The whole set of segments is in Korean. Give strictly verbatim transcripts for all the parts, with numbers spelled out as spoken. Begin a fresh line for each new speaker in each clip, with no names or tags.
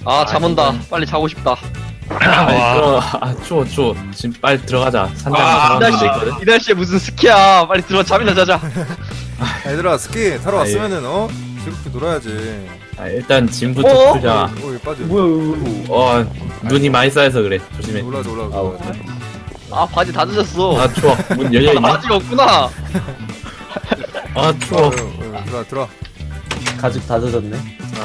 아, 잠 온다. 빨리 자고 싶다.
아, 아, 추워, 추워. 지금 빨리 들어가자. 산장
아, 이
들어가는
날씨,
데 있거든.
이 날씨에 무슨 스키야. 빨리 들어, 잠이나 자자.
얘들아 스키 타러
아, 예.
왔으면은 어? 즐겁게 놀아야지.
아, 일단 짐부터
어?
풀자.
어, 어, 빠져.
뭐야,
어, 눈이 많이 쌓여서 그래. 조심해.
올라가자 올라가자.
아우.
올라가자.
아, 바지 다 젖었어.
아, 추워. 문
아,
열려있네.
바지가 없구나.
아, 추워.
어, 어, 어, 들어와 들어와.
가죽 다 젖었네.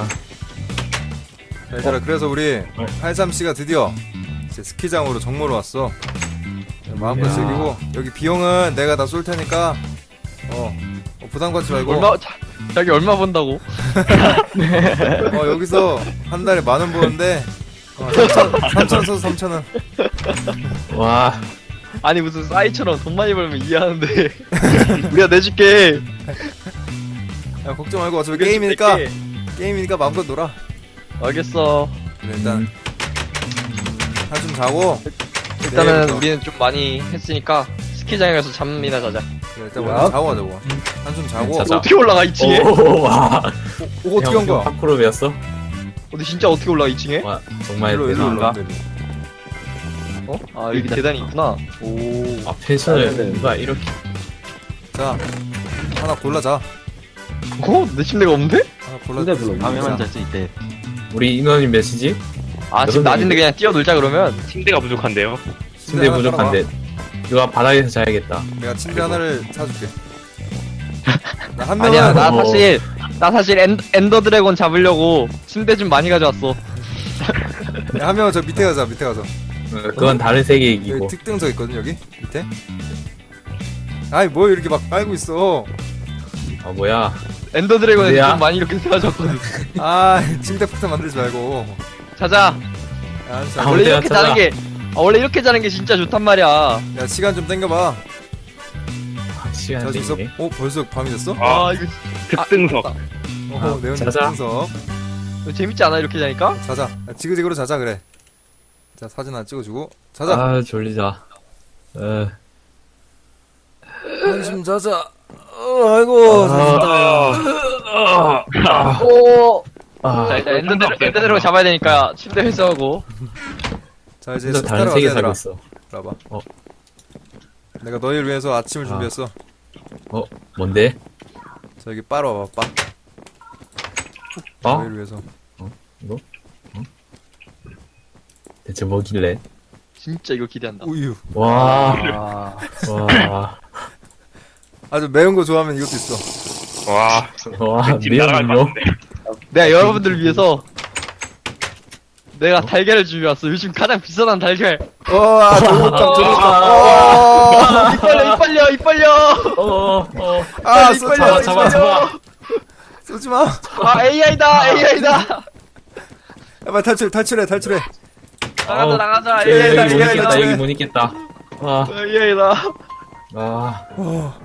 자, 얘들아 그래서 우리 팔삼씨가 드디어 이제 스키장으로 정모로 왔어. 마음껏
야.
즐기고 여기 비용은 내가 다 쏠 테니까 어, 어 부담 갖지 말고
얼마, 자, 자기 얼마 번다고?
어 여기서 한 달에 만 원 버는데 어, 삼천 삼천 써서 삼천 원.
와,
아니, 무슨 싸이처럼 돈 많이 벌면 이해하는데. 우리가 내줄게.
야 걱정 말고 어차피 게임이니까
낼게.
게임이니까 마음껏 놀아.
알겠어.
그래, 일단
음.
한숨 자고
일단은
내일부터.
우리는 좀 많이 했으니까 스키장에 가서 잠이나 자자.
그래, 일단
야.
먼저 자고 가자 뭐. 한숨 자고
자자.
너 어떻게 올라가, 이 층에?
오, 와.
오, 어떻게 한 거야?
파쿠르 배웠어?
어디 진짜 어떻게 올라가, 이 층에?
와, 정말
일로 일로 올라.
대단하다.
어? 아, 여기 계단이 있구나. 오.
아, 펜션을
아, 네.
누가 이렇게.
자 하나 골라 자.
어? 내 침대가 없는데?
하나 골라.
근데 별로
자.
잘수 있대.
우리 인원이 몇이지?
아, 지금
여섯
낮인데 그냥 뛰어놀자, 그러면?
침대가 부족한데요.
침대
하나
부족한데. 누가 바닥에서 자야겠다.
따라와. 내가 침대 하나를 사줄게. 나 한 명은
아니야, 나
어.
사실, 나 사실 엔, 엔더 드래곤 잡으려고 침대 좀 많이 가져왔어.
한 명은 저 밑에 가자 밑에 가서.
어, 그건 다른 세계 얘기고.
여기 특등석 있거든 여기 밑에. 아이 뭐 이렇게 막 깔고 있어.
아, 뭐야.
엔더 드래곤에
뭐야?
좀 많이 이렇게 가져왔거든.
아 침대 폭탄 만들지 말고.
자자.
야, 알았어.
아,
원래
어때요,
이렇게
찾아.
자는 게, 아, 원래 이렇게 자는 게 진짜 좋단 말이야.
야 시간 좀 땡겨봐.
아, 시간
잘 수 있어?
되네.
어 벌써 밤이 됐어?
아, 이거
특등석.
아,
어 내온
자자.
특등석.
이거 재밌지 않아, 이렇게 자니까?
자자. 야, 지그지그로 자자 그래. 자 사진 하나 찍어주고 자자.
아, 졸리자. 어,
한숨 자자. 어 아이고
아.
진짜야.
오!
아,
자, 일단 엔더 드래곤, 엔더 드래곤 잡아야 되니까 침대 회수하고.
자 이제
진짜 다른
식사로
세계
가자
살고
얘들아.
있어.
봐봐.
어.
내가 너희를 위해서 아침을
아.
준비했어.
어, 뭔데?
자 여기 바로 와봐 바.
어?
너희를 위해서.
이거? 어? 대체 뭐길래?
진짜 이거 기대한다.
우유.
와,
아,
와,
아주 매운 거 좋아하면 이것도 있어.
와,
와,
집 날아갈 것
매운요?
같은데.
내가 여러분들을 위해서 내가 달걀을 준비해왔어. 요즘 가장 비싼 달걀.
어, 아, 조국감, 조국감. 어,
입 벌려, 입 벌려, 입 벌려.
어, 어,
아,
입
쏘지
벌려,
마,
입
잡아,
벌려.
잡아.
쏘지 마.
아, 에이아이다, 에이아이다.
야, 빨리 탈출, 탈출해, 탈출해.
나가자,
어우,
나가자.
여기
에이아이다,
못
에이아이다,
있겠다,
에이아이다.
여기 못 있겠다. 아,
에이아이다.
아,
어,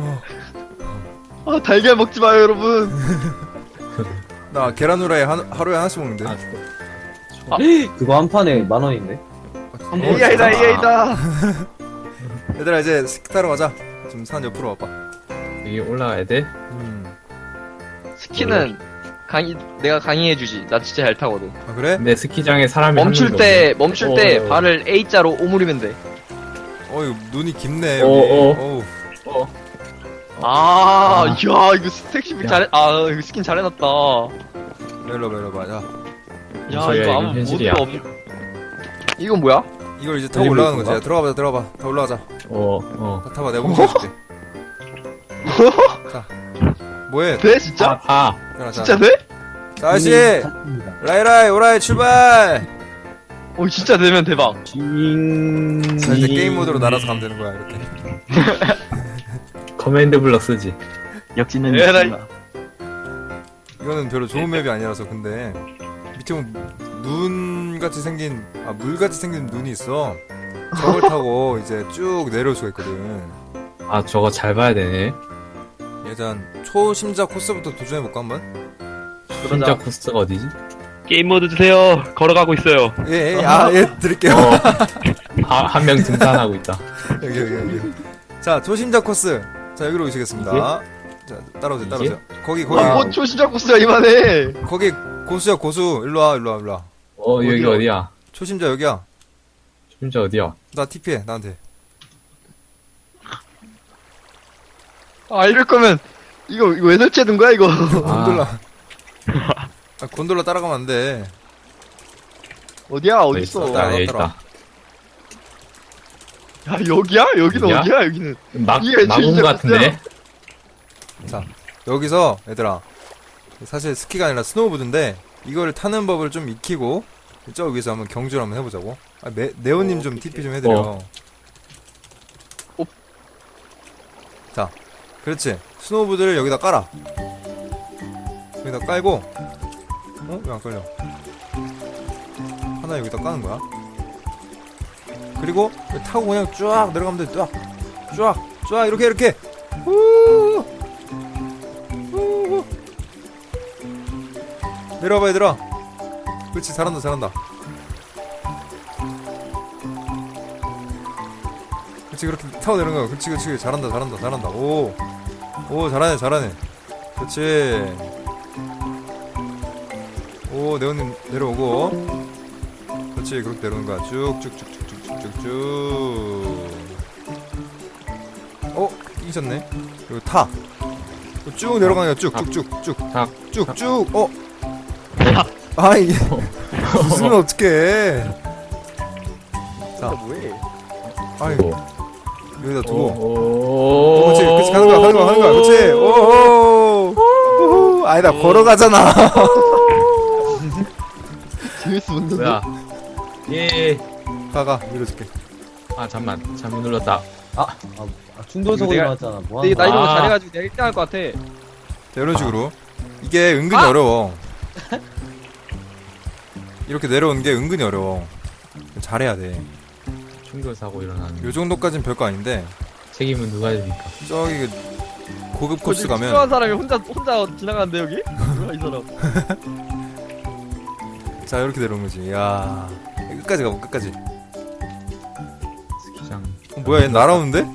아, 달걀 먹지 마요, 여러분.
나 계란 후라이 한, 하루에 하나씩 먹는데.
아, 죽어.
그거 한 판에 만 원인데?
에이아이다, 에이아이다.
얘들아, 이제 스키 타러 가자. 지금 산 옆으로 와봐.
여기 올라가야 돼?
음.
스키는 강의, 내가 강의해주지. 나 진짜 잘 타거든.
아, 그래?
근데 스키장에 사람이 한
멈출
명도
때, 멈출 때
어.
발을 A자로 오므리면 돼.
어, 이거 눈이 깊네,
어,
여기.
어.
어우.
없어.
아,
아.
이야, 이거 스택시
야.
잘해, 아, 이거 스킨 잘해놨다.
일로 와봐, 일로 와봐. 야,
야,
소리야,
이거
이건
아무
현실이야.
모드가 없. 이건 뭐야?
이걸 이제 타고
일로
올라가는
올까?
거지. 야, 들어가봐, 들어가봐. 다 올라가자.
어, 어.
다 타봐, 내가 멈춰줄게. 자, 뭐해?
돼, 진짜?
아, 아.
일어나, 자.
진짜 돼?
자, 아저씨!
탔습니다.
라이라이, 오라이, 출발!
오, 진짜 되면 대박.
징.
자, 이제 게임 모드로 날아서 가면 되는 거야, 이렇게.
커맨드 블럭 쓰지.
역시는
에라이.
있구나.
이거는 별로 좋은 맵이 아니라서 근데 밑에 보면 눈같이 생긴 아 물같이 생긴 눈이 있어. 저걸 타고 이제 쭉 내려올 수가 있거든.
아, 저거 잘 봐야 되네.
예전 초심자 코스부터 도전해볼까 한번?
진짜 코스가 어디지?
게임 모드 주세요. 걸어가고 있어요.
예, 예, 아, 예, 드릴게요.
어, 한 명 등산하고 있다.
여기, 여기, 여기. 자, 초심자 코스. 자, 여기로 오시겠습니다. 자, 따라오세요, 따라오세요. 거기, 거기,
아, 뭐 초신자 코스가 이만해.
거기 고수야, 고수. 일로와, 일로와, 일로와.
어, 여기
어디요?
어디야?
초심자 여기야.
진짜 어디야?
나 티피해 나한테.
아 이럴 거면 이거 이거 왜 설치해둔 거야 이거?
곤돌라. 아, 곤돌라 따라가면 안 돼.
어디야
여기
어딨어?
있다, 여기
따라가,
있다.
야 여기야? 여기는
여기야?
어디야 여기는?
막,
이게
마군
진짜
같은데?
자, 여기서 얘들아. 사실 스키가 아니라 스노우보드인데 이거를 타는 법을 좀 익히고 저 위에서 한번 경주를 한번 해보자고. 아, 네, 네오님 좀 티피 좀 해드려.
어.
어.
자, 그렇지. 스노우보드를 여기다 깔아. 여기다 깔고, 어? 왜 안 깔려? 하나 여기다 까는 거야. 그리고 타고 그냥 쫙 내려가면 돼. 쫙, 쫙, 쫙 이렇게 이렇게. 후, 후. 내려와봐 얘들아. 그렇지, 잘한다 잘한다. 그렇지, 그렇게 타고 내려가는 거야. 그렇지 그렇지, 잘한다 잘한다 잘한다. 오, 오, 잘하네 잘하네. 그렇지. 오, 네오님 내려오고. 그렇지, 그렇게 내려오는 거야. 쭉쭉쭉쭉쭉쭉쭉. 어, 끼셨네. 이거 타. 이거 쭉 내려가는 거야. 쭉쭉쭉쭉.
탁.
쭉쭉. 어. 아이, 웃으면 어떡해.
진짜 뭐해?
아이,
오.
여기다 두고.
오.
그렇지, 그렇지, 가는 거야, 가는 거야, 가는 거야. 그렇지. 오호. 오호. 아니다, 걸어가잖아.
재밌어 웃는데?
뭐야? 예.
가가, 밀어줄게.
아, 잠만. 잘못 눌렀다.
아, 아, 아 충돌 사고
내가-
일어났잖아. 뭐
근데 이게 나
하는
이런 거
아.
잘해가지고 내가 일 등 할 것 같아.
자, 이런 식으로. 이게 은근히
아!
어려워. 이렇게 내려오는 게 은근히 어려워. 잘해야 돼.
충돌 사고 일어나는.
요 정도까진 별거 아닌데,
책임은 누가 집니까?
저기 그 고급 코스
거기
가면,
필요한 사람이 혼자 혼자 지나가는데 여기? 뭐야 이 사람?
자, 이렇게 내려오는 거지. 이야. 끝까지 가보, 끝까지.
스키장.
어, 뭐야, 얘 날아오는데?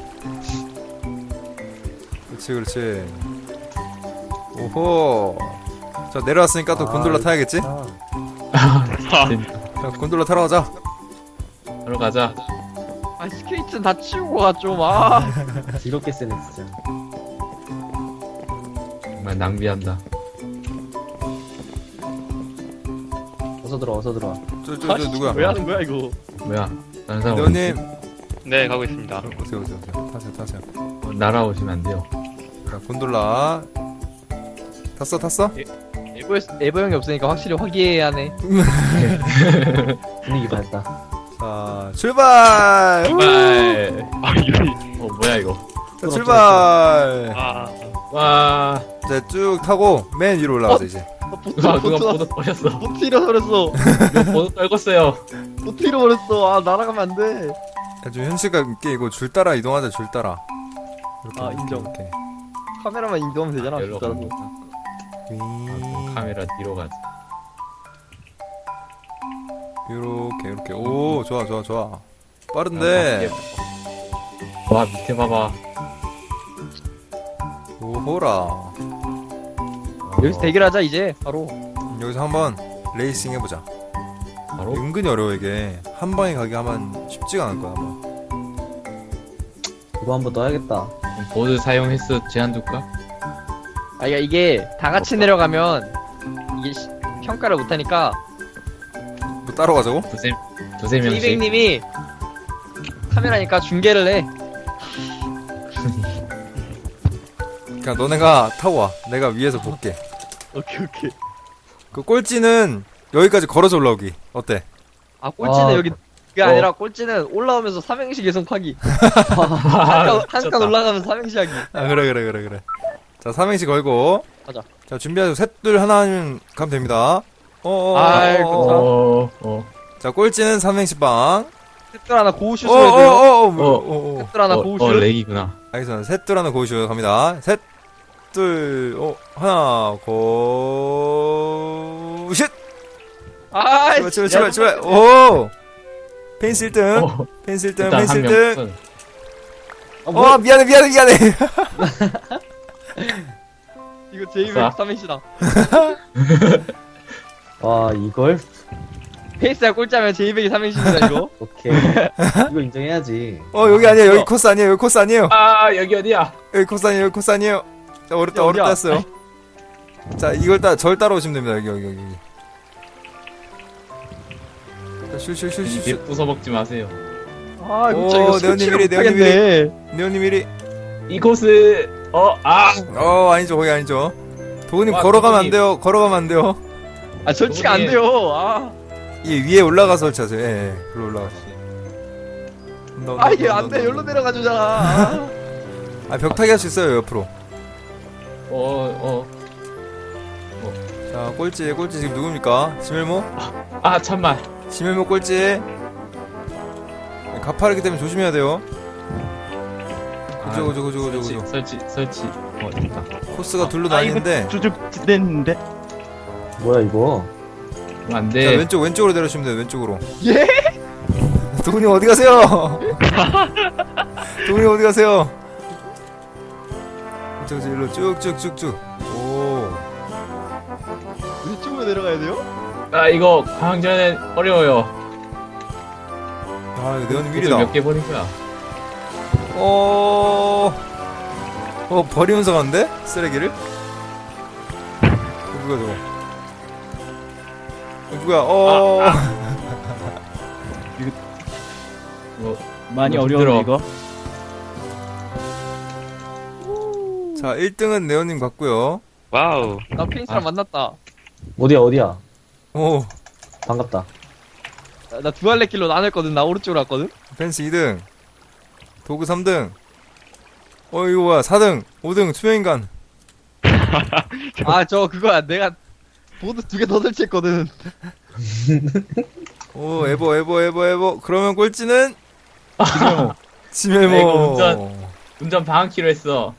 그렇지, 그렇지. 오호. 자, 내려왔으니까 또
아,
곤돌라 타야겠지?
아,
자, 곤돌라 타러 가자.
바로 가자.
아 스케이트는 다 치우고 가 좀. 아.
지겹게 쓰네 진짜.
정말 낭비한다.
어서 들어, 어서 들어.
저, 저, 저, 누구야?
왜 하는 거야 이거?
뭐야? 다른 사람 어디
네오님.
네, 가고 있습니다.
오세요, 오세요, 오세요. 타세요, 타세요.
있어? 어, 날아오시면 안 돼요.
자, 곤돌라. 탔어, 탔어?
에버 에버 형이 없으니까 확실히 화기애애하네.
분위기 밝다.
자, 출발!
출발.
아, 이거.
어, 뭐야 이거?
자, 출발!
아,
와.
자, 쭉 타고 맨 위로 올라가자, 이제.
아, 보트
누가 누가
보트
보드 버렸어.
보트 잃어버렸어.
이거 보드 떨궜어요.
보트 잃어버렸어. 아 날아가면 안 돼.
야, 좀 현실감 있게 이거 줄 따라 이동하자, 줄 따라. 이렇게,
아,
이렇게,
인정.
이렇게.
카메라만 이동하면 되잖아.
여기로
진짜로.
가면
윙.
카메라 뒤로 가자.
요렇게, 요렇게. 오, 좋아, 좋아, 좋아. 빠른데.
와 밑에 봐봐.
오호라.
여기서 대결하자 이제 바로.
여기서 한번 레이싱 해보자.
바로
은근히 어려워, 이게. 한 방에 가기 하면 쉽지가 않을 거야, 아마.
이거 한번 더 해야겠다.
그럼 보드 사용 횟수 제한 둘까?
아 이게 이게 다 같이 내려가면 이게 시- 평가를 못하니까
뭐 따라가자고?
두세 두세 명씩.
이백님이 카메라니까 중계를 해.
그냥 너네가 타고 와. 내가 위에서 볼게.
오케이 오케이.
그 꼴찌는 여기까지 걸어서 올라오기. 어때?
아 꼴찌는
아,
여기 그게
어.
아니라 꼴찌는 올라오면서 삼행시 계속 하기.
아,
한 칸 올라가면 삼행시 하기.
아, 그래, 그래, 그래, 그래. 자, 삼행시 걸고.
가자.
자, 준비하시고, 셋, 둘, 하나 하면 가면 됩니다. 어어.
아이,
어, 어,
자, 꼴찌는 삼행시 빵.
셋들 하나 고우슛을
어,
해야 돼요.
어, 어, 어,
어.
어, 어.
셋들 하나
어,
고우슛.
어, 렉이구나.
알겠습니다. 셋, 둘, 하나 고우슛 갑니다. 셋, 둘, 어, 하나, 고우슛!
아이.
출발, 출발, 출발, 출발. 오! 펜스 일 등.
어,
펜스 일 등,
일단
펜스
한
일
명.
등.
은
아, 뭐,
어, 미안해, 미안해, 미안해.
이거 제이백
아싸.
삼행시다.
와, 이걸?
페이스가 꼴찌하면 제이백이 삼행시입니다 이거.
오케이. 이거 인정해야지.
어 여기 아니야 여기 코스 아니에요 여기 코스 아니에요
아 여기 어디야?
여기 코스 아니에요 여기 코스 아니에요. 자 어렵다
여기야.
어렵다 했어요. 자 이걸 따 절 따라오시면 됩니다 여기 여기 여기. 슛슛슛슛
입 부숴먹지 마세요.
아 이거
오,
진짜 이거
네오님
설치를
일이, 네오님
못하겠네.
네오님 일이.
이 코스 어아
어 아니죠 거기 아니죠. 도훈님
와,
걸어가면 안
도훈님.
돼요 걸어가면 안 돼요.
아 설치가 안 돼요. 아,
이 위에 올라가서 설치하세요. 예, 예. 글로 올라가시.
아 이게 안 돼. 여기로 내려가 주잖아. 아.
아 벽타기 할 수 있어요 옆으로.
어, 어.
자 꼴찌 꼴찌 지금 누굽니까? 지멜모?
아 잠만.
지멜모 꼴찌. 가파르기 때문에 조심해야 돼요. 그죠 그죠 그죠 그죠
설치
그죠.
설치 설치. 어 됐다.
코스가 둘로
아, 이거
나뉘는데.
쭈죽 됐는데.
뭐야 이거?
그럼 안
자
돼.
왼쪽 왼쪽으로 내려주시면 돼요 왼쪽으로.
예?
도훈님 어디 가세요? 도훈님 어디 가세요? 그쵸 그쵸 일로 쭉쭉쭉쭉. 오.
왼쪽으로 내려가야 돼요?
아 이거 방전엔 어려워요.
아 이거 네오님
코스
일이다.
몇 개 버린 거야?
어. 어 버리면서 가는데 쓰레기를? 어, 누가 저거? 어, 누구야? 어.
이거
많이
이거
어려운데
힘들어.
이거.
자 일 등은 네오님 같고요.
와우.
나 페이스랑
아.
만났다.
어디야 어디야?
오
반갑다.
나, 나 두 할래 길로 나눴거든. 나 오른쪽으로 왔거든.
펜스 이 등. 도구 삼 등. 어 이거 뭐야 사 등 오 등 투명인간.
아 저 그거야. 내가 보드 두 개 더 설치했거든.
오 에버 에버 에버 에버. 그러면 꼴찌는
지금
지멜모.
야, 이거 운전. 운전 방학키로 했어.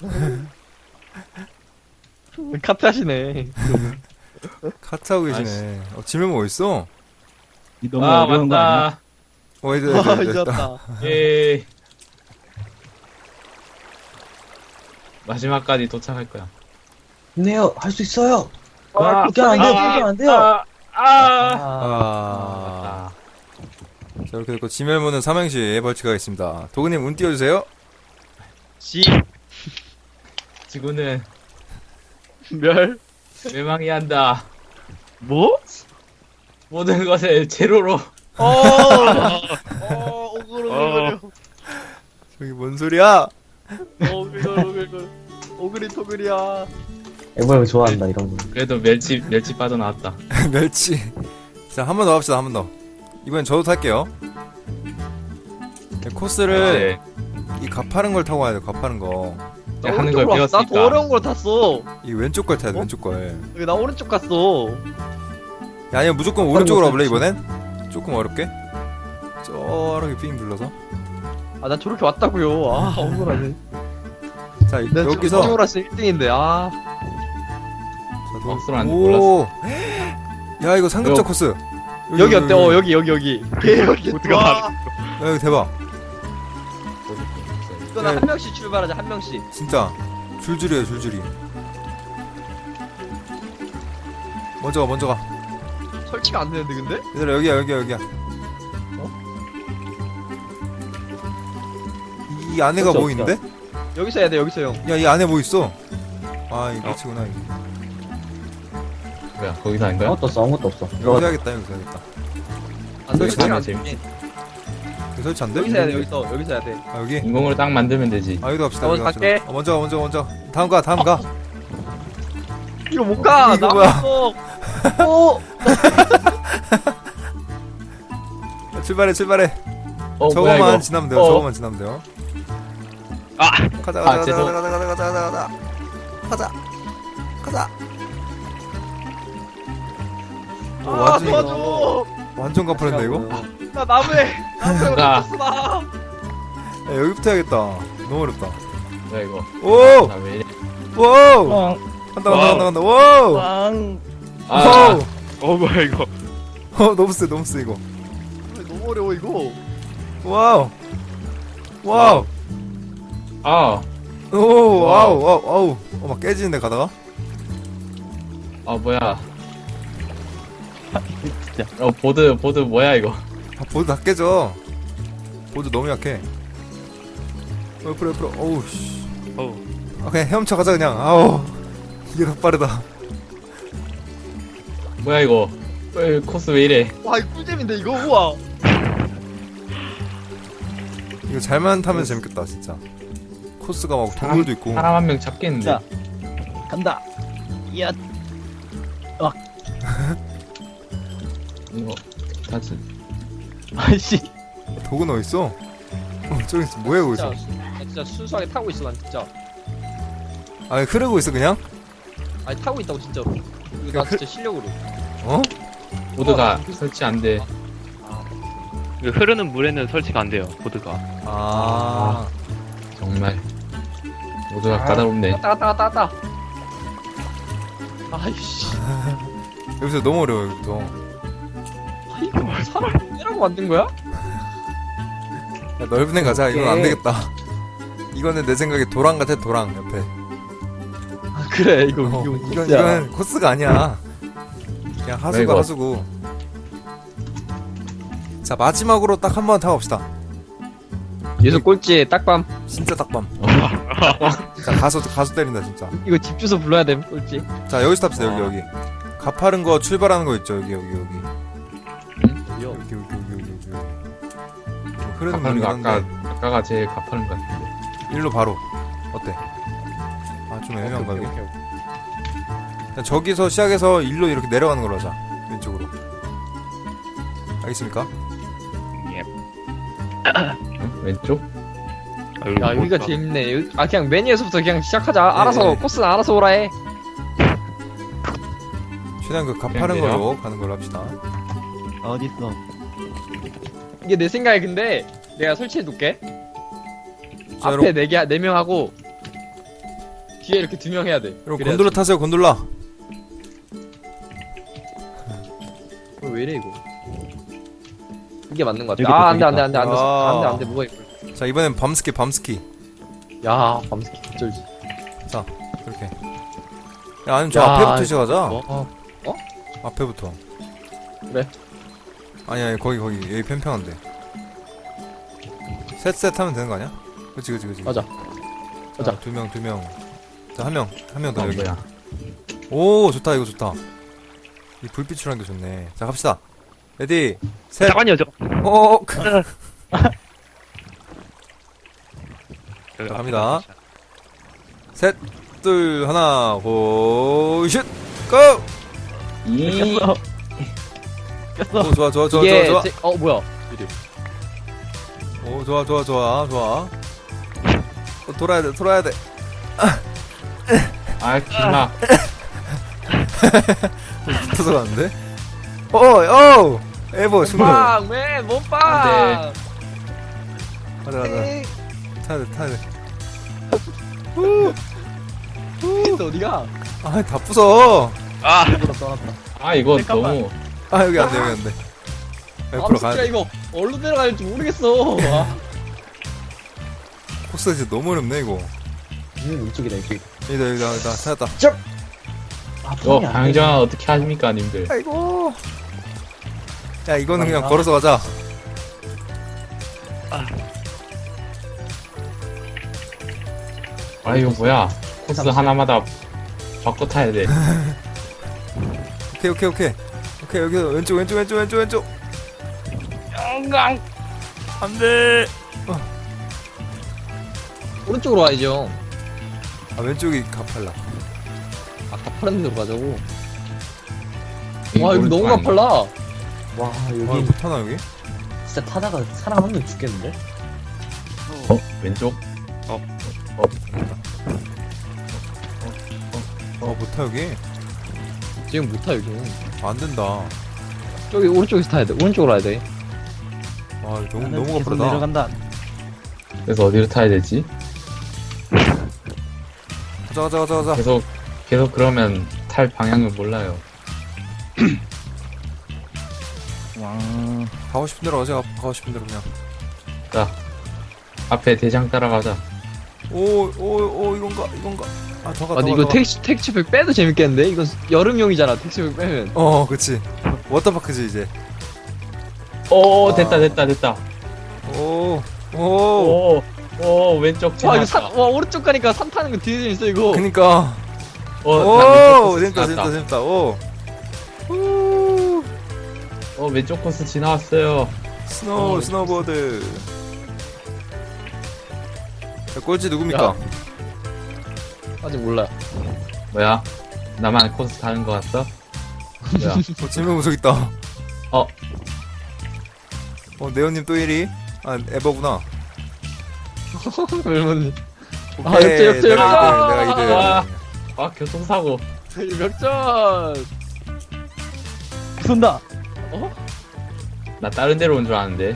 카트 하시네.
카트 하고 계시네. 어, 지멜모 어딨어?
이 너무
아
어려운 거 아니야?
맞다.
어 이제
아
이제 이제
이제
있다.
왔다.
예. 마지막까지 도착할 거야.
네요 할 수 있어요.
아,
그렇게 안 돼요. 그렇게 안 돼요.
아, 아, 아.
아.
맞다.
자 이렇게 됐고 지멜모는 삼행시 벌칙하가 있습니다. 도구님 운 띄워주세요.
지
지구는
멸.
멸망이 한다.
뭐?
모든 것을 제로로.
어. 어 오글 오글 오글.
저기 뭔 소리야?
오글 오글 오글. 오글이 토글이야.
에버 형 좋아한다 이런 거.
그래도 멸치 멸치 빠져나왔다.
멸치. 자 한 번 더 합시다 한 번 더. 이번엔 저도 탈게요. 네, 코스를 이 가파른 걸 타고 가야 돼 가파른 거.
나
하는 걸
오른쪽으로 왔어.
배웠으니까.
나더 어려운 걸 탔어.
이 왼쪽 걸 타야 돼
어?
왼쪽 걸.
여기 나 오른쪽 갔어.
야 아니야 무조건 오른쪽으로 와볼래 이번엔? 조금 어렵게. 쩌르게 삥 눌러서.
아 난 저렇게 왔다고요. 아 억울하네.
자 이-
내가
여기서.
이쪽으로 왔으면 일 등인데 아.
자, 도-
박수로 안
오. 야 이거 상급자
이거-
코스.
여기 어때? 어 여기 여기 여기. 개 여기.
어떡하-
와.
야 이거 대박.
이거 나 한 명씩 출발하자 한 명씩.
진짜 줄줄이에요 줄줄이. 먼저 가 먼저 가.
설치가 안 되는데 근데?
얘들아 여기야 여기야 여기야. 이 안에가
없죠,
뭐 있는데?
여기서 해야 돼 여기서 형.
야 이 안에 뭐 있어? 아 이거 끝이구나 이거.
뭐야 거기서 한 거야?
아무것도 없어 아무것도 없어.
여기서 해야겠다 여기서 해야겠다.
아 설치가 안
재밌-
돼.
여기 설치 안 돼?
여기서 해야 돼 여기서 여기서 해야 돼.
아 여기?
인공으로 딱 만들면 되지.
아 여기도 갑시다
나
여기
먼저
갑시다.
갈게.
어, 먼저 가 먼저 가 먼저 가. 다음 가 다음 가.
이거 못 가.
이거
나
뭐야?
없어. 어.
야, 출발해 출발해.
어 뭐야
저거만
이거?
지나면 돼요.
어.
저거만 지나면 돼요.
아!
가자
아,
가자 가자
죄송-
가자 가자 가자 가자 가자 가자 가자. 어,
아
완전
도와줘.
완전 가파른데 이거?
나 나무에 나무에
나.
올렸어 나.
야, 여기부터 해야겠다. 너무 어렵다.
뭐야 이거?
오!
나왜 이래?
와우!
꽝.
간다 간다
와우.
간다 간다. 와우!
꽝.
아,
와우!
어 뭐야 이거.
어 너무 세 너무 세 이거.
너무 어려워 이거.
와우! 와우!
아,
오
와우.
와우 와우 와우. 어 막 깨지는데 가다가?
아 뭐야?
진짜.
어 보드 보드 뭐야 이거?
아, 보드 다 깨져. 보드 너무 약해. 어, 옆으로 옆으로. 어우 씨.
어우.
아, 그냥 헤엄쳐 가자 그냥. 아우 이게 더 빠르다.
뭐야 이거? 왜 코스 왜 이래?
와 이거 꿀잼인데 이거 우와.
이거 잘만 타면 재밌겠다 진짜. 코스가 막 동물도 있고.
사람 한 명 잡겠는데.
자. 간다. 야.
이거 다시.
아이씨.
독은 어디 있어? 어, 저기 있어. 뭐해 거기서?
진짜, 수- 진짜 순수하게 타고 있어 난 진짜.
아 흐르고 있어 그냥?
아니 타고 있다고 진짜로. 이거
그냥
나 진짜 실력으로.
어?
보드가 설치 안 돼.
그 흐르는 물에는 설치가 안 돼요. 보드가.
아.
정말 모두가
아,
까다롭네.
갔다 갔다 갔다 갔다. 아이씨.
여기서 너무 어려워 여기부터.
아 이거 사람 이라고 만든 거야?
야, 넓은 애 가자. 이건 안 되겠다. 이거는 내 생각에 도랑 같아 도랑 옆에.
아 그래 이거
어,
이거
이건
코스야.
이건 코스가 아니야. 그냥 하수가
이거?
하수고. 자 마지막으로 딱 한 번 타봅시다.
예수 꼴찌 딱밤.
진짜 딱밤. 자 가수 가수 때린다 진짜.
이거 집 주소 불러야 돼 꼴찌.
자 여기서 탑시다 여기 여기. 가파른 거 출발하는 거 있죠 여기 여기 여기.
요.
여기 여기 여기 여기 여기. 어, 흐르는
가파른
물이긴
거 아까
한데
아까가 제일 가파른 것 같은데.
일로 바로. 어때? 아 좀 애매한가 여기.
오케이, 오케이.
그냥 저기서 시작해서 일로 이렇게 내려가는 걸로 하자. 왼쪽으로. 알겠습니까?
응? 왼쪽?
아유,
야 여기가
뭐,
재밌네. 여기- 아 그냥 메뉴에서부터 그냥 시작하자. 알아서
예.
코스는 알아서 오라 해.
최대한 그 가파른
그냥
걸로 가는 걸로 합시다.
어딨어?
이게 내 생각에 근데 내가 설치해 놓을게.
자,
앞에
여러분,
네 개 네 명 하고 뒤에 이렇게 두 명 해야 돼.
여러분
그래야지.
곤돌라 타세요 곤돌라.
어, 왜 이래 이거? 이게 맞는 것
여기
같아. 아
있다,
안돼
여기
안돼 안돼 안돼
아.
안돼 안돼 뭐가 이거?
자 이번엔 밤스키 밤스키.
야 밤새기 어쩔지.
이렇게. 야 아니면 저
야,
앞에부터 시작하자.
어?
앞에부터.
그래.
아니 아니 거기 거기 여기 팽팽한데. 셋셋 하면 되는 거 아니야? 그치 그치 그치.
맞아. 맞아.
두명 두 명. 자 한 명 한 명 더
어,
여기.
뭐야?
오 좋다 이거 좋다. 이 불빛이란 게 좋네. 자 갑시다. 레디 셋.
잠깐요 저.
어. 그-
저기
자,
앞에
갑니다.
가보자.
셋, 둘, 하나, 호, 슛, 고!
이
꼈어. 꼈어.
오, 좋아, 좋아, 좋아,
이게
좋아, 좋아.
제- 어 뭐야? 이래.
오, 좋아, 좋아, 좋아, 좋아. 어, 돌아야 돼, 돌아야 돼.
아 길막.
붙어서 가는데? 어, 어! 에버, 승부. 가자,
몸빵 맨 몸빵.
안
가자. 타야 돼, 타야 돼.
근데 어디가?
아, 다 부숴.
아.
아 이거
잠깐만.
너무.
아, 여기 안 돼, 여기 안 돼.
아
옆으로 가야
진짜
돼.
이거 어디로 내려가야 될지 모르겠어. 아.
코스가 진짜 너무 어렵네, 이거.
음, 이쪽이다, 이쪽.
여기다, 여기다, 여기다. 찾았다.
아,
어
폰이 안
방정아 어떻게 하십니까 님들?
아이고. 야, 이거는 그냥
아.
걸어서 가자.
아 이거 뭐야? 코스 하나마다 바꿔 타야 돼.
오케이, 오케이, 오케이. 오케이, 여기서 왼쪽, 왼쪽, 왼쪽, 왼쪽, 왼쪽.
영광. 안 돼.
오른쪽으로 와야죠.
아, 왼쪽이 가팔라.
아까 파란 데로 가자고.
이거
와 여기 너무
오른쪽 아닌가?
가팔라.
와,
아,
여기
못하나, 여기?
진짜 타다가 사람 한 명 죽겠는데?
어 왼쪽?
어, 못하, 여기?
지금 못 타 여기는.
안 된다.
저기 오른쪽에서 타야 돼. 오른쪽으로 가야 돼.
아, 너무,
나는
너무
계속
가쁘다.
내려간다.
그래서 어디로 타야 되지?
가자, 가자, 가자, 가자.
계속 계속 그러면 탈 방향을 몰라요.
와.
가고 싶은 대로 가자, 가고 싶은 대로 그냥.
자 앞에 대장 따라가자.
오, 오, 오, 이건가, 이건가. 아, 더 가,
아
더
근데
가,
이거
더 가.
텍스 텍스처팩 빼도 재밌겠는데? 이건 여름용이잖아. 텍스처팩 빼면.
어, 그치. 워터파크지 이제.
오
아.
됐다 됐다 됐다.
오, 오.
오, 오 왼쪽
아
지나갔다.
이거 산, 와 오른쪽 가니까 산 타는 거 뒤에 있어 이거.
그니까.
어, 나
오,
왼쪽 코스
재밌다, 재밌다,
지나갔다.
재밌다. 오. 오.
어 왼쪽 코스 지나왔어요.
스노우,
어,
스노보드. 자, 꼴찌 누굽니까?
아직 몰라.
뭐야? 나만 코스 타는 거 같어? 뭐야?
어, 질문 무속 있다.
어.
어, 네오님 또 일 위? 아, 에버구나.
멜몬님. 아,
오케이,
역전, 역전,
내가
역전!
이 등, 내가 이 등.
아, 아 교통사고.
몇전
쏜다.
나 다른 데로 온 줄 아는데.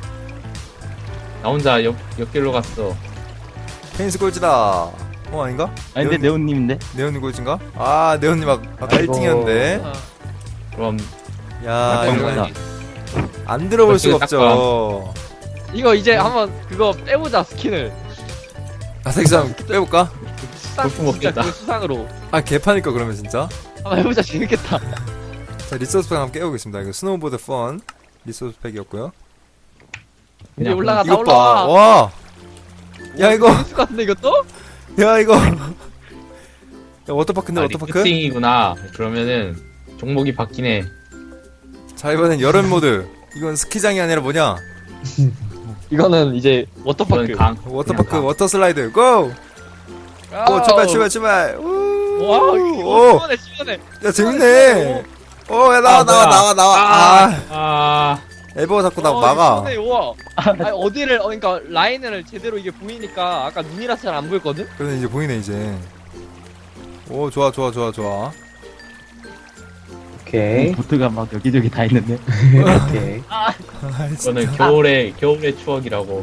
나 혼자 옆, 옆길로 갔어.
페인스 꼴찌다. 어, 아닌가?
아니 근데
네온-
네온님인데?
네오님 꼴찌인가? 아, 네오님 아, 아까
아이고.
일 등이었는데.
그럼
야,
약간
이거
뭐야.
안 들어볼 수가
어떻게
없죠.
이거 이제 한번 그거 빼보자 스킨을.
아, 색상 빼볼까?
수상
골프
진짜
먹겠다.
그 수상으로
아, 개판일까, 그러면 진짜?
한번 해보자. 재밌겠다.
자, 리소스 팩 한번 깨보겠습니다. 이거 스노우보드 펀 리소스 팩이었고요.
이제
그냥
올라가 다
이것 봐.
올라가.
와! 야, 이거,
재밌을 것 같은데 이것도?
야, 이거. 야, 워터파크인데,
아,
워터파크?
리프팅이구나. 그러면은 종목이 바뀌네.
자, 이번엔 여름 모드. 이건 스키장이 아니라 뭐냐?
이거는 이제 워터파크.
이건 강.
워터파크,
그냥
워터 슬라이드, 고! 고, 출발, 출발, 출발! 우!
와 이거
오!
시원해 시원해.
야, 재밌네! 오, 야, 나와,
아,
나와,
뭐야.
나와, 나와! 아,
아,
에버가 자꾸 나
어,
막아.
시원해 우와. 아니 어디를 어 그러니까 라인을 제대로 이게 보이니까 아까 눈이라서 잘 안 보였거든.
그래서 이제 보이네, 이제. 오, 좋아, 좋아, 좋아, 좋아.
오케이.
보트가 막 여기저기 다 있는데?
오케이.
아, 진짜.
이거는 겨울의 겨울의 추억이라고.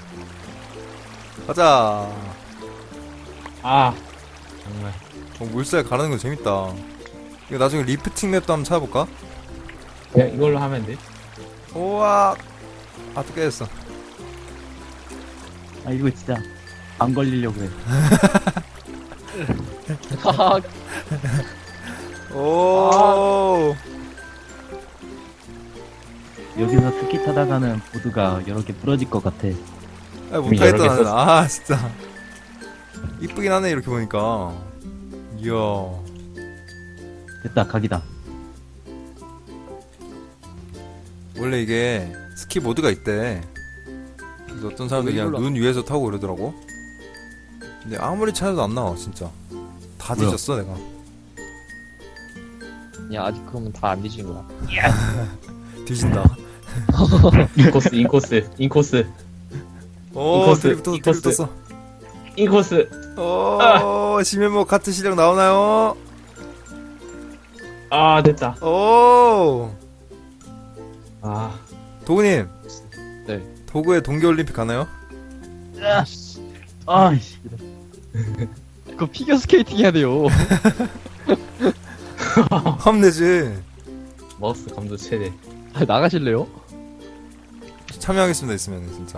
가자.
아, 정말.
어, 물살 가르는 거 재밌다. 이거 나중에 리프팅 맵도 한번 찾아볼까?
그냥 이걸로 하면 돼.
우와. 아, 또 깨졌어.
아 이거 진짜 안 걸리려고 해.
아,
오.
여기서 스키 타다가는 보드가 여러 개 부러질 것 같아.
아,
여러
못하겠다,
개
나는.
썼어.
아, 진짜. 이쁘긴 하네, 이렇게 보니까. 이야.
됐다 각이다.
원래 이게 스키 모드가 있대. 그래서 어떤 사람들이 그냥
몰라.
눈 위에서 타고 그러더라고. 근데 아무리 찾아도 안 나와, 진짜. 다
뭐야?
뒤졌어, 내가.
야 아직 그러면 다 안 뒤진 거야.
뒤진다.
인코스, 인코스, 인코스,
오,
이코스,
드리프트 떴어,
이코스.
드리프트 떴어.
인코스.
오, 심해모 카트 실력 나오나요?
아, 됐다.
오.
아,
도구님.
네.
도구에 동계올림픽 가나요?
아이씨.
그거 피겨 스케이팅 해야 돼요.
하면 되지.
마우스 감도 최대.
아, 나가실래요?
참여하겠습니다, 있으면, 진짜.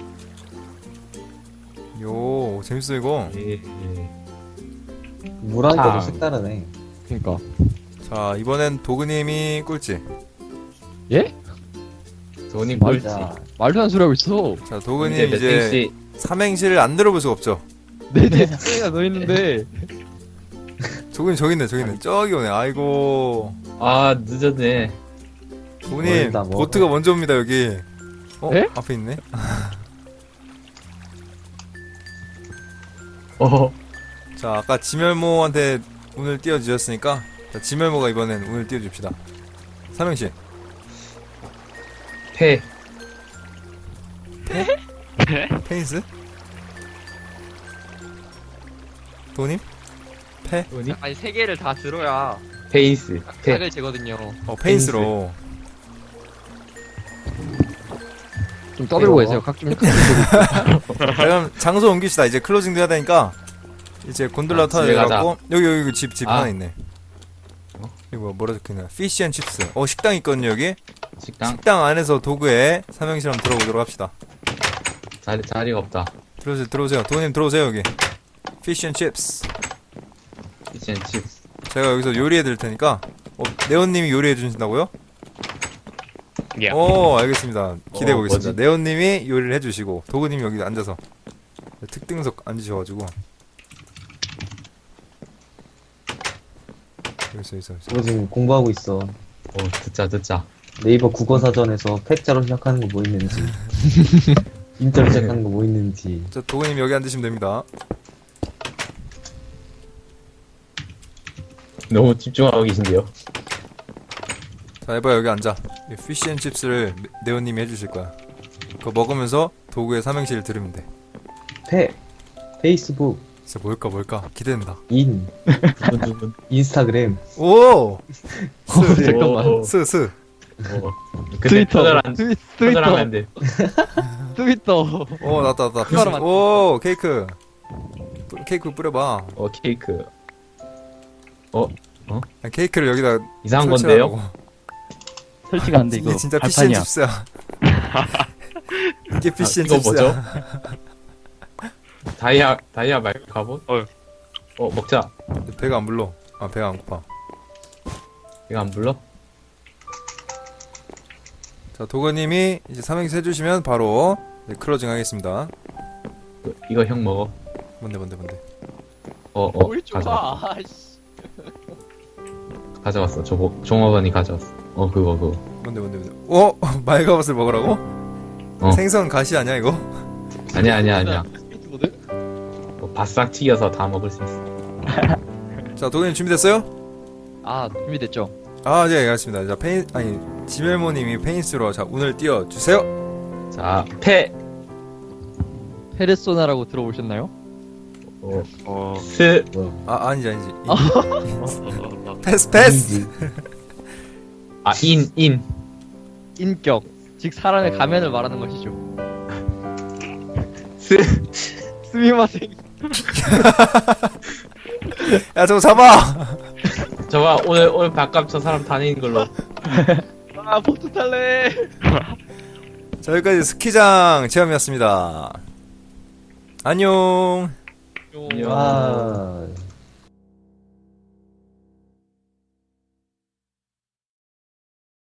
요, 재밌어, 이거.
예, 예.
물하니까 좀
아.
색다르네.
그러니까.
자, 이번엔 도구님이 꼴찌.
예?
돈이 꼴찌.
자,
말도 안 소리 하고 있어.
자,
이제
도구님
몇
이제
등씩?
삼행시를 안 들어볼 수가 없죠.
내 뒤에 스크린가 너 있는데.
도구님 저기 있네, 저기 있네. 저기 오네. 아이고.
아, 늦었네.
도구님,
멀다, 멀어.
보트가 먼저 옵니다, 여기. 어?
에?
앞에 있네.
어,
자, 아까 지멸모한테 운을 띄워주셨으니까, 자, 지멸모가 이번엔 운을 띄워줍시다. 삼행시.
패.
페인스? 도구님? 페?
돈이?
아니 세 개를 다 들어야
페인스. 패.
각을 재거든요.
어, 페인스로.
좀 떠들고 계세요. 각좀
자, 그럼 장소 옮깁시다. 이제 클로징도 해야 되니까. 이제 곤돌라
아,
타야
집에
돼갖고. 여기, 여기, 여기 집, 집
아.
하나 있네.
어?
이거 뭐야, 뭐라 적혀있나. 피쉬 앤 칩스. 어, 식당 있거든요, 여기.
식당.
식당 안에서 도구에 삼행시 한번 들어보도록 합시다.
자리, 자리가 없다.
들어오세요, 들어오세요. 도구님 들어오세요, 여기. 피쉬 앤 칩스.
피치앤 칩스.
제가 여기서 요리해 드릴 테니까. 어, 네온님이 요리해 주신다고요?
예.
오, 알겠습니다. 기대해
어,
보겠습니다.
뭐지?
네온님이 요리를 해주시고 도구님이 여기 앉아서 특등석 앉으셔가지고 여기 있어, 있어, 있어.
저 지금 공부하고 있어.
어, 듣자, 듣자.
네이버 국어사전에서 팩자로 시작하는 거 뭐 있는지. 인자로 시작하는 거 뭐 있는지.
자, 도구님 여기 앉으시면 됩니다.
너무 집중하고 계신데요.
자, 에바 여기 앉아. 이 피쉬앤칩스를 네온님이 해주실 거야. 그거 먹으면서 도구의 삼행시를 들으면 돼.
페, 페이스북,
진짜 뭘까 뭘까 기대된다.
인,
두근두근.
인스타그램.
오! 스,
잠깐만.
오,
스, 스.
어. 근데
트위터.
표절 안,
트위,
표절하면
트위터.
안 돼.
트위터.
오, 나왔다, 나왔다.
그거로
피쉬- 오, 케이크. 뿌- 케이크 뿌려봐.
어, 케이크.
아, 케이크를 여기다
이상한
설치하라고.
건데요?
설치가 안 돼, 이거.
이게 진짜
발판이야.
피쉬앤칩스야. 이게
아, 이거
피쉬앤칩스야.
뭐죠? 다이아, 다이아 말 갑옷?
어.
어, 먹자.
배가 안 불러. 아, 배가 안 고파.
이거 안 불러?
자, 도구님이 이제 삼행시 해주시면 바로 네, 클로징 하겠습니다.
이거, 이거 형 먹어.
뭔데, 뭔데, 뭔데.
어, 어. 가져와. 가져왔어. 저, 뭐- 종업원이 가져왔어. 어, 그거, 그거.
뭔데, 뭔데, 뭔데. 오! 말가벗을 먹으라고?
어.
생선 가시 아니야, 이거?
아니야, 아니야, 아니야.
스케이트보드?
뭐 바싹 튀겨서 다 먹을 수 있어.
자, 도구님 준비됐어요?
아, 준비됐죠?
아, 네, 알겠습니다. 자, 페인, 아니, 지멜모님이 페인스로 자, 운을 띄워주세요.
자, 패,
페르소나라고 들어보셨나요?
어,
어.
스,
아, 아니지, 아니지. 이-
어.
패스, 패스!
인지.
아, 인, 인.
인격. 즉, 사람의 가면을 말하는 것이죠.
스,
스미마생.
야, 저거 잡아!
저봐, 오늘, 오늘 밥값 저 사람 다니는 걸로.
아, 보트 탈래.
자, 여기까지 스키장 체험이었습니다. 안녕.
안녕.
아.